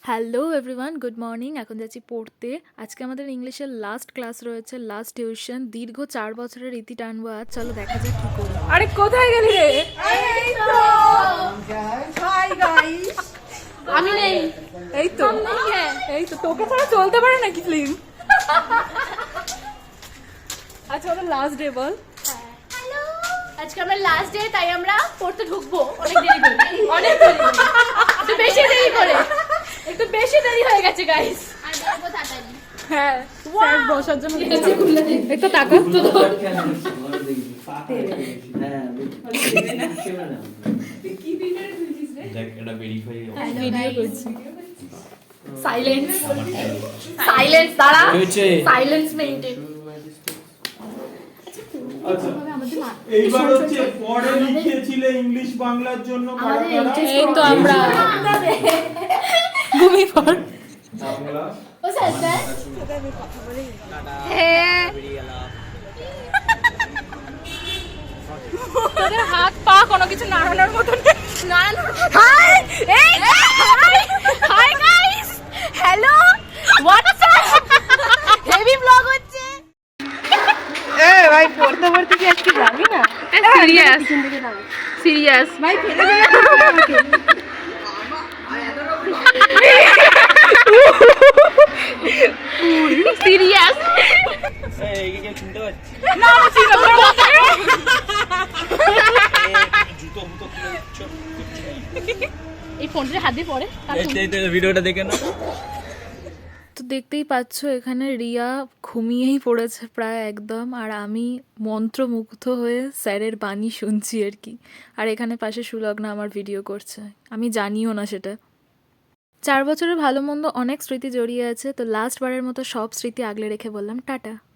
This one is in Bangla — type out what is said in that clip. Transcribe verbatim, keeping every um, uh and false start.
Hello everyone, good morning. এখন যাচ্ছি পড়তে। আজকে আমাদের ইংলিশের লাস্ট ক্লাস রয়েছে, লাস্ট টিউশন। দীর্ঘ চার বছরের রীতি টানবো আজ। চলো দেখা যাক কি করি। আরে কোথায় গেলি রে? এই তো হাই গাইস, আমি নেই। এই তো এই তো তোকে ছাড়া চলতে পারে নাকি ফিল্ম? আচ্ছা ওটা লাস্ট ডে বল। হ্যালো, আজকে আমরা লাস্ট ডে, তাই আমরা পড়তে ঢুকবো অনেক দেরি করে। অনেক দেরি করে, একটু বেশি দেরি করে, একটু বেশি দেরি হয়ে গেছে গাইস। আর দেখবো তাড়াতাড়ি। হ্যাঁ, স্যার বসার জন্য গেছে। এই তো টাকা তো কি ভিডিও দিছিস রে? দেখ এটা ভেরিফাই ভিডিও করছি। সাইলেন্স, সাইলেন্স, দাঁড়া, হয়েছে। Silence maintain. আচ্ছা, এইবার হচ্ছে পরে লিখেছিলে ইংলিশ বাংলার জন্য কারা কারা? এই তো আমরা ঘুমিয়ে পড়। বাংলা ও স্যার স্যার হ্যাঁ, তোদের হাত পা কোনো কিছু নাড়ানোর মতো নেই। নারায়ণ, হাই, এই hi hi guys, hello, WhatsApp, heavy blog হচ্ছে। এ ভাই পড়তে পড়তে কি আজকে যাবি না? সিরিয়াস সিরিয়াস ভাই ফেলে দেবে আমাকে। সিরিয়াস এই কি চিনতে পারছিস? না ছিল জুতো মুতো খুলে দিচ্ছ। এই ফোনটা হাত দিয়ে পড়ে। এই তো ভিডিওটা দেখে না। তো দেখতেই পাচ্ছ এখানে রিয়া ঘুমিয়েই পড়েছে প্রায় একদম, আর আমি মন্ত্রমুগ্ধ হয়ে স্যারের বাণী শুনছি আর কি। আর এখানে পাশে সুলগ্না আমার ভিডিও করছে, আমি জানিও না সেটা। চার বছরের ভালো মন্দ অনেক স্মৃতি জড়িয়ে আছে, তো লাস্ট বারের মতো সব স্মৃতি আগলে রেখে বললাম টাটা।